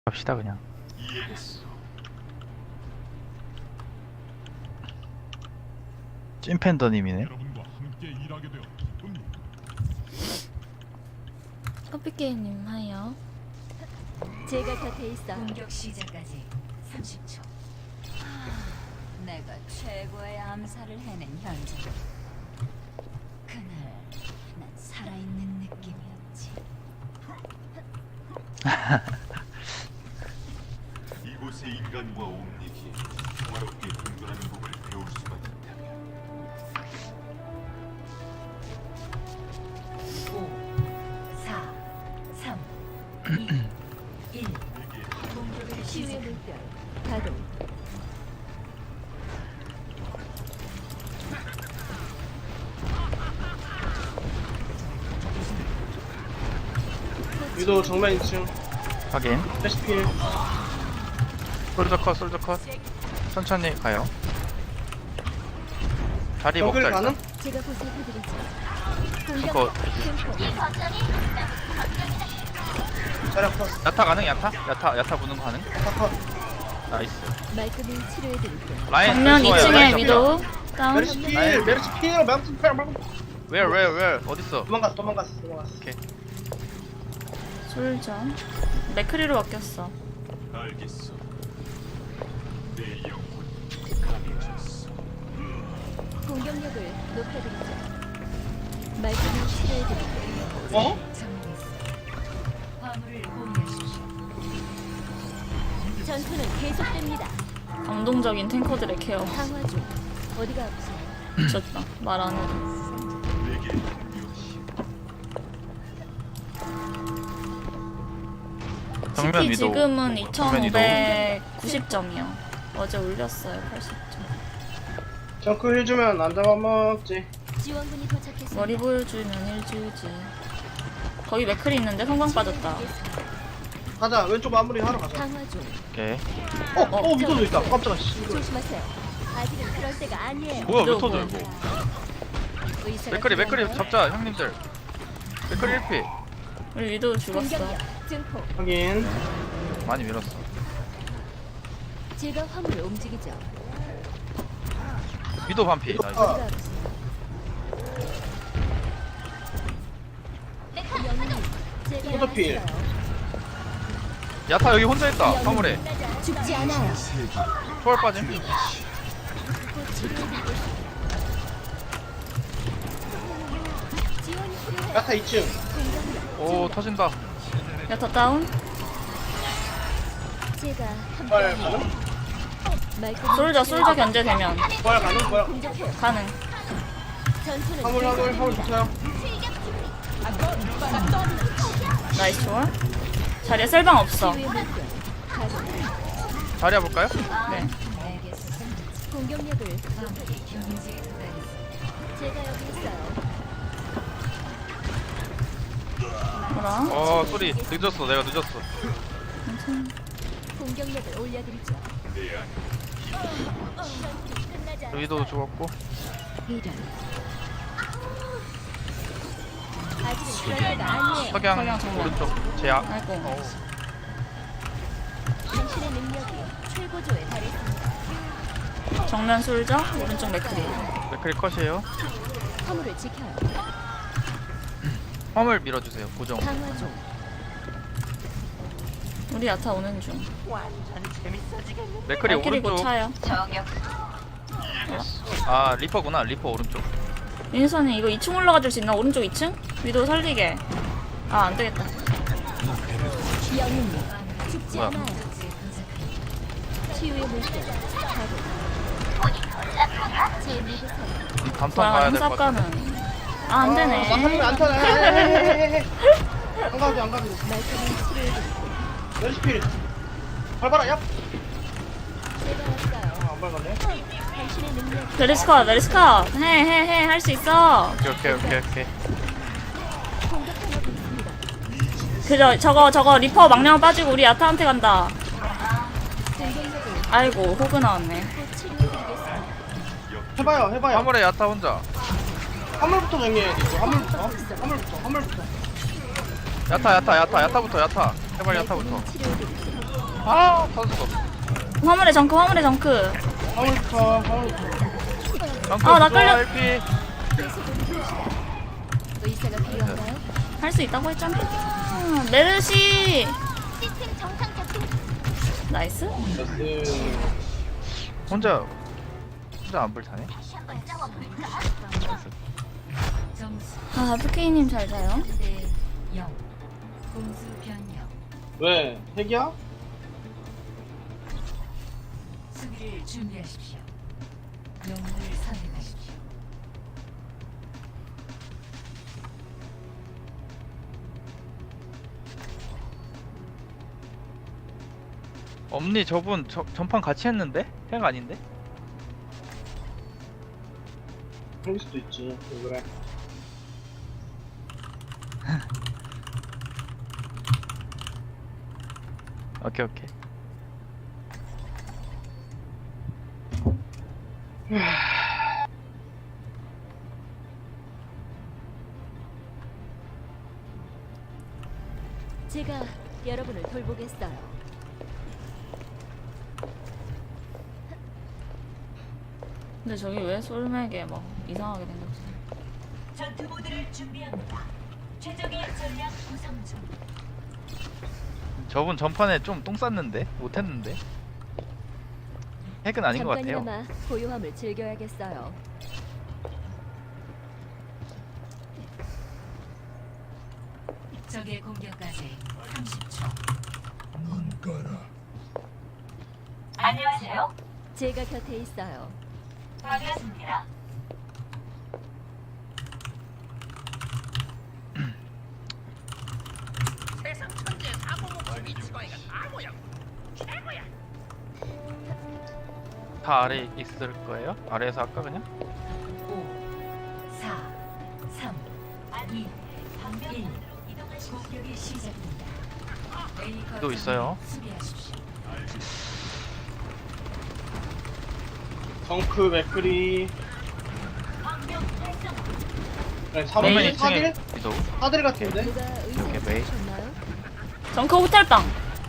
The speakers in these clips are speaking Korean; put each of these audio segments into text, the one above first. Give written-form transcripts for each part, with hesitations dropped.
갑시다 그냥. 찐팬더님이네. 커피게임님 하여. 제가 곁에 있어. 공격 시작까지 30초. 내가 최고의 암살을 해낸 현장. 그날 난 살아있는 느낌이었지. 이곳의 인간과 옴닉이 평화롭게 공존하는 법을 배울 수가 있다면 5, 4, 3, 2, 1. 공격을 치유의 시작. 물결 가동. 위도 정면 2층 확인. 패시필 솔저 컷, 솔저 컷. 천천히 가요. 다리 정글 먹자 가능? 일단. 제가 보살펴드리죠. 이거 공격 자력 컷 야타 가능? 야타 부는 거 가능? 컷 나이스. 말끔히 치료해드릴게요. 라인 정면 좋아요, 2층에 라인 위도 다운. 메르시 필 메르시 필 메르시 필 Where 어딨어? 도망갔어 솔저. 맥크리로 바뀌었어. 알겠어. 내 영혼 강해졌어. 공격력을 높여드리죠. 말끔히 치료해드릴게요. 어? 정리했어. 화물을 공유하십시오. 전투는 계속됩니다. 감동적인 탱커들의 케어. 강화 중. 어디가 아프세요? 미쳤다. 말 안 해도. 내게 공유하시. 정면 CP 위도. 지금은 정면 위도. 2590점이요. 어제 올렸어요. 80점. 정크 해주면 안 잡아먹지 지원군이 도착했습니다. 머리 보여주면 1주지. 거기 맥크리 있는데 성광 빠졌다. 가자 왼쪽 마무리 하러 가자 강화 중. 오케이. 위도도 있다 깜짝아 씨 조심하세요. 아직은 그럴 때가 아니에요. 뭐야 왜 위도 터져 뭐. 이거? 의사가 맥크리 필요한가요? 잡자 형님들. 맥크리 1피. 우리 위도 죽었어. 공격력 증폭. 확인 많이 밀었어. 제가 화물을 움직이죠. 위도 반피. 나이스. 아. 어디가 아프세요? 영웅님, 제가 포도필. 왔어요. 야타 여기 혼자 있다. 화물에. 죽지 않아요. 초월 빠짐. 곧 치료해드리고 있습니다. 지원이 필요해요. 야타 2층 공격력 오 터진다. 야타 다운. 제가 부활 함께합니다. 가능? 말끔히 솔저 견제되면 부활 가능? 부활 공격해요. 가능. 전투는 화물 붙어요 나이스 초월. 자리에 셀방 없어. 치유의 물결 가동. 자리 해볼까요? 네. 내게서 공격력을 화물이 경제에 도달했어. 제가 여기 있어요. 뭐라? 소리 늦었어. 내가 늦었어. 공격력을 올려드리죠. 끝나지 않았어요. 위도 죽었고. 이런. 아직은 그럴 때가 아니에요. 석양 석양 정면. 오른쪽 제약. 아이고. 당신의 능력이 최고조에 달했습니다. 정면 솔저, 오른쪽 맥크리. 맥크리 컷이에요. 화물을 지켜요. 화물 밀어주세요. 고정. 강화 중. 우리 야타 오는 중. 맥크리 발길이 곧 오른쪽. 차요. 아 리퍼구나. 리퍼 오른쪽. 윤선이 이거 2층 올라가 줄 수 있나? 오른쪽 2층? 위도 살리게. 아, 안 되겠다. 영웅님 죽지 뭐야? 않아요. 치유의 물결 가동. 제 믿으세요. 담턴 저랑 가야 될 것 같아. sap가는. 아, 안 되네. 안 타네 안 가도 말끔히 치료해드릴게요. 메르시 필 밟아라 얍 제가 왔어요. 안 밟았네 당신의 능력이 메리스컷. 해. 할 수 있어. 오케이. 공격하고 있습니다. 그래, 저거 리퍼 망령 빠지고 우리 야타한테 간다. 공격력을 아이고, 호그 나왔네. 곧 치료해드리겠습니다. 해봐요 화물에 야타 혼자. 화물부터 정리해야 돼 화물부터 야타부터 야타. 제발 야타부터. 말끔히 치료해드리죠. 아 터졌어. 화물에 정크, 화물에 정크. 화물부터 화물부터. 아, 나 끌려. LP. 의사가 필요한가요? 할 수 있다고 했잖아. 메르시. 시스템 정상 작동. 나이스. 나이스. 혼자 안 불타네. 다시 한번 싸워볼까? 점수 아, FK님 잘 자요. 3대 0. 공수 변경. 왜? 핵이야? 수비를 준비하십시오. 영웅을 선택하십시오. 엄니 저분 전판 같이 했는데? 핵 아닌데? 그럴 수도 있지. 왜 그래? 오케이 오케이. 제가 여러분을 돌보겠어요. 근데 저기 왜 솔맥에 막 이상하게 생겼지? 전투 모드를 준비합니다. 최적의 전략 구성 중. 저분 전판에 좀 똥 쌌는데? 못했는데? 핵은 아닌 것 같아요. 잠깐이나마 고요함을 즐겨야겠어요. 적의 공격까지 30초. 안녕하세요. 제가 곁에 있어요. 반갑습니다. 다 아래 있을 거예요? 아래에서 할까 그냥? 5, 4, 3, 2, 1. 공격이 시작됩니다. A 또 거점을 있어요. 수비하십시오. 정크 맥크리. 그래 그러면 메이? 2층에 4딜? 위도우. 4딜 같은데? 누가 오케이, 의사 메이. 주셨나요? 정크 호텔방.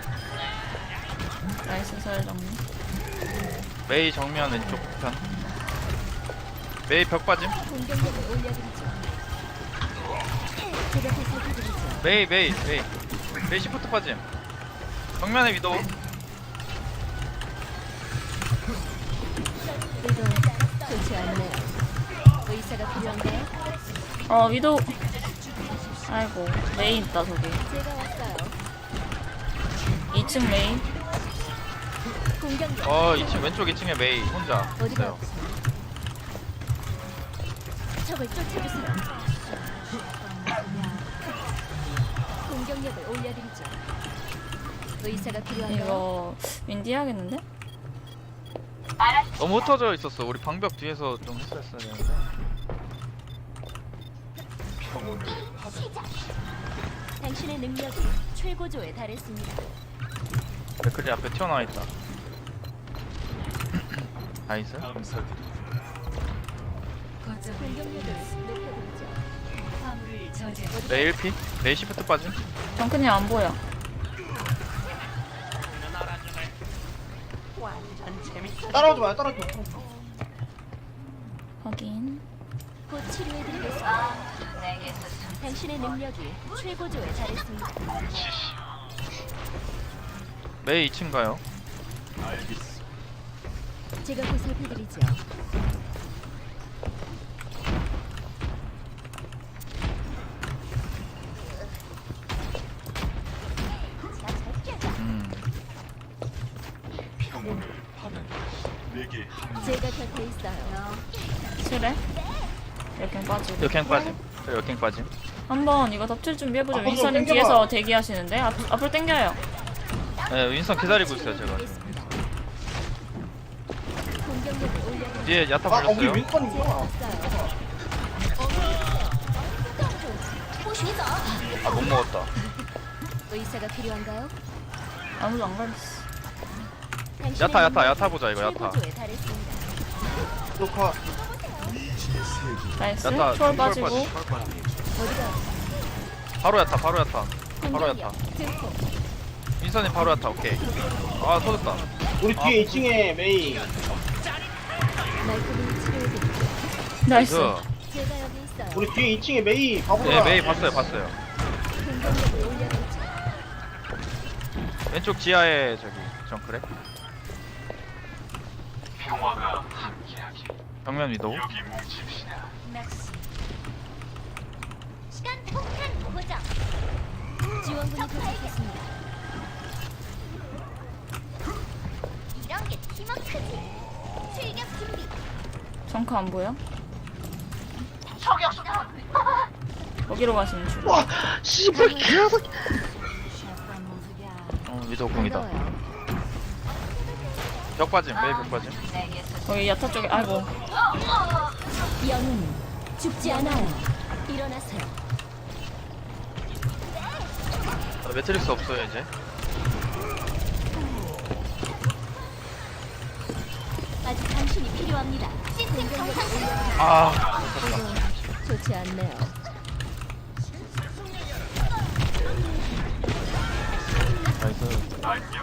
나이스 설 정리. 메이 정면 왼쪽 편. 메이 벽 빠짐. 공격력을 올려드리죠. 제가 보살펴드리죠. 메이 시프트 빠짐. 정면에 위도우. 이거 좋지 않네요. 의사가 필요한가요? 위도. 아이고, 메이 있다, 저기. 제가 왔어요. 2층 메이. 공격력 2층 왼쪽 2층에 메이 혼자 어디가 있어요. 아프세요? 적을 쫓아주세요. 공격력을 올려드리죠. 의사가 필요한가요? 이거 윈디 해야겠는데? 너무 흩어져 있었어. 우리 방벽 뒤에서 좀 했었어야 되는데. 당신의 능력이 최고조에 달했습니다. 맥클리 앞에 튀어나와 있다. 나이스. 감사드립니다. 거점을 공격력을 높여드리죠. 화물을 저지하십시오. 메이 1피. 메이 시프트 빠짐. 정크님 안 보여. 따라오지 마요, 따라오지 마. 확인. 곧 치료해드리겠습니다. 당신의 능력이 최고조에 달했습니다. 메이 2층 가요. 제가 보살펴드리죠. 평온을 파는 내게 한 제가 곁에 있어요. 칠해? 이렇게 빠지고. 역행 빠짐. 저 역행 빠짐. 한번 이거 덮칠 준비해보죠. 앞으로 윈서님 당겨봐. 뒤에서 대기하시는데? 앞으로 당겨요. 네, 윈선 기다리고 있어요 제가. 드리겠습니다. 공격력을 올려드리죠. 뒤에 야타 아, 우리 걸렸어요. 제가 윈선이구나. 왔어요. 아 못 먹었다. 의사가 필요한가요? 아무도 안 걸렸어. 당신의 야타 보자 이거 야타. 최고조에 달했습니다. 녹화. 나이스. 야타 초월 빠지고. 초월 빠짐. 어디가 바로 야타. 바로 야타. 공격력 증폭. 윈선이 바로 왔다. 오케이. 아 터졌다. 우리 뒤에 2층에 메이. 말끔히 치료해드릴게요. 나이스. 제가 여기 있어요. 우리 뒤에 2층에 메이 가보자. 네 메이 봤어요. 공격력을 올려드리죠. 왼쪽 지하에 저기 정크래. 평화가 함께하기. 정면 위도. 여기 뭉칩시다. 시간 폭탄 고정. 지원군이 도착했습니다. 이런 게 팀워크지. 출격 준비. 정크 안 보여? 거기로 가시면 줄. 와, 씨발 개새끼. 위도 공이다. 반가워요. 벽 빠짐. 메이 벽 빠짐. 거기 야타 쪽에. 아이고. 영웅은 죽지 않아요. 일어나세요. 매트릭스 없어요 이제. 아직 당신이 필요합니다. 시스템 정상. 아. 좋지 않네요. 나이스.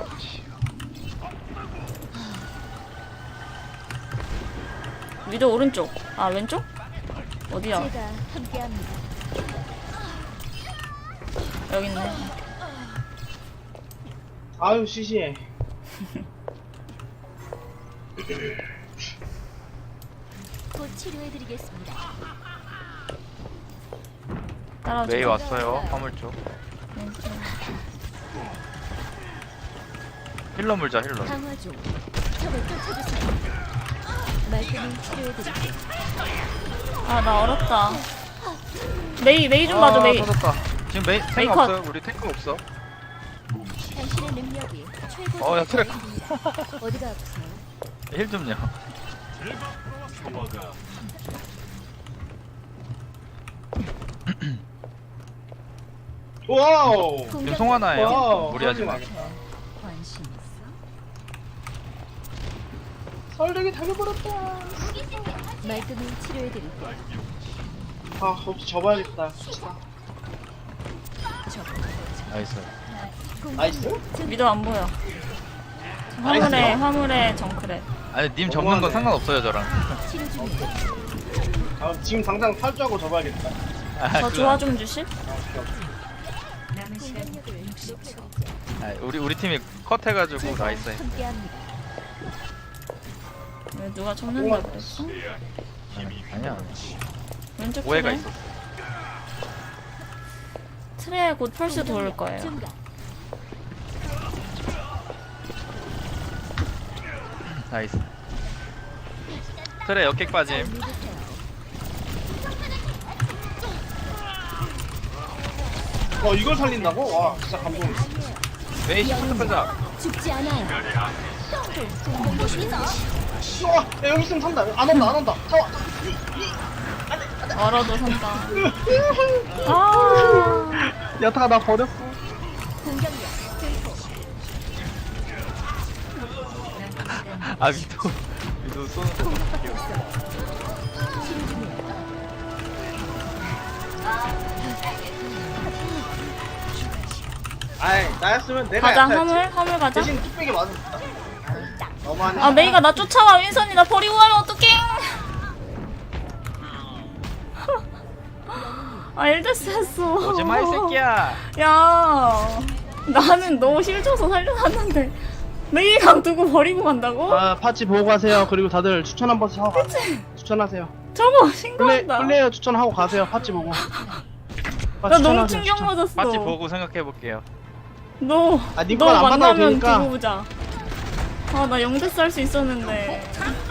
위도 오른쪽. 아 왼쪽? 어디야? 제가 함께합니다. 여기 있네. 아유 시시해. 곧 치료해드리겠습니다. 따라오지. 메이 왔어요. 화물 쪽. 왼쪽. 힐러 물자 힐러. 강화 중. 적을 쫓아주세요. 말끔히 치료해드릴게요. 아 나 얼었다. 메이 좀 봐줘 메이. 터졌다. 지금 메이 탱크 메이 컷. 없어요. 우리 탱크 없어. 당신의 능력이 최고. 야 트랙. 어디가 아프세요? 힐 좀요. 평화가 와우. 지금 송하나예요. 와우. 무리하지 마. 관심 있어? 설득이 달려버렸다. 말끔히 치료해드릴게요. 아, 없이 접어야겠다. 나이스. 나이스. 위도 안 보여. 화물에 정크래. 아니 님 접는 건 상관없어요 저랑. 치료 중이에요. 아, 지금 당장 탈주하고 접어야겠다. 저 조화 좀 주실? 공격력을 높여드리죠. 우리 팀이 컷 해가지고 나이스. 함께합니다. 왜 누가 접는다 그랬어? 아니야. 왼쪽 오해가 트레. 있었어. 트레 곧 펄스 돌 거예요. 증가. 나이스. 트레 역객 빠짐. 믿으세요. 이걸 살린다고? 와, 진짜 감동. 메이 시프트 빼자. 죽지 않아요. 야, 여기 있으면 산다. 안 온다. 잡아. 얼어도 산다. 아, 야타가 나 버렸어. 공격력 증폭. 아 위도 쏘는 거. 치료 중이에요. 아이, 나였으면 내가 가자 야타였지. 화물 가자. 대신 뚝배기 맞았다. 너무하네. 아 메이가 나 쫓아와. 윈선이 나 버리고 가면 어떡해? 아 일데스 했어. 오지마 이 새끼야. 야, 나는 너 힐 줘서 살려놨는데 메이랑 두고 버리고 간다고? 아, 파츠 보고 가세요. 그리고 다들 추천 한 번씩 하고 가세요. 추천하세요. 저거 신고한다. 플레이어 추천하고 가세요. 파츠 보고. 나 너무 충격 맞았어. 마치 보고 생각해 볼게요. 너 네 건 안 받아도 만나면 되니까. 두고 보자. 아, 나 영대스 할 수 있었는데.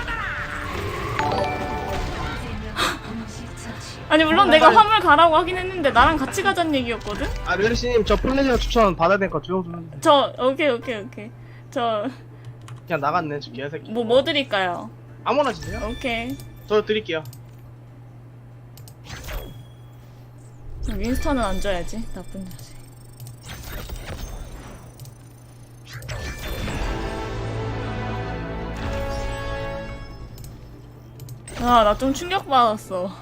아니 물론 내가 화물 가라고 하긴 했는데 나랑 같이 가자는 얘기였거든? 아, 멜리씨님, 저 플레이어 추천 받아야 되니까 조용 좀 해주세요. 저 오케이 저 그냥 나갔네, 저 개새끼. 뭐 드릴까요? 아무나 주세요. 오케이. 저 드릴게요. 윈스턴은 안 줘야지. 나쁜 자식. 아, 나 좀 충격받았어.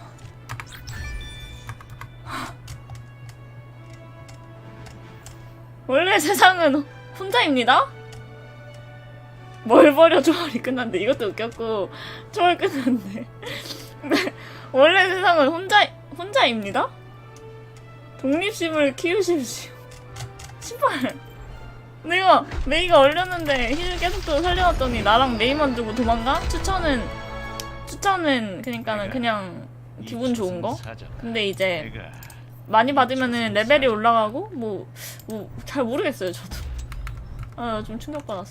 원래 세상은 혼자입니다? 뭘 버려 초월이 끝났는데 이것도 웃겼고 초월 끝났는데 원래 세상은 혼자입니다? 독립심을 키우십시오. 신발 내가 메이가 얼렸는데 힐 계속 또 살려놨더니 나랑 메이만 두고 도망가? 추천은 그니까는 그냥 기분 좋은 거? 근데 이제 많이 받으면은 레벨이 올라가고 뭐 잘 모르겠어요 저도. 아 좀 충격받았어.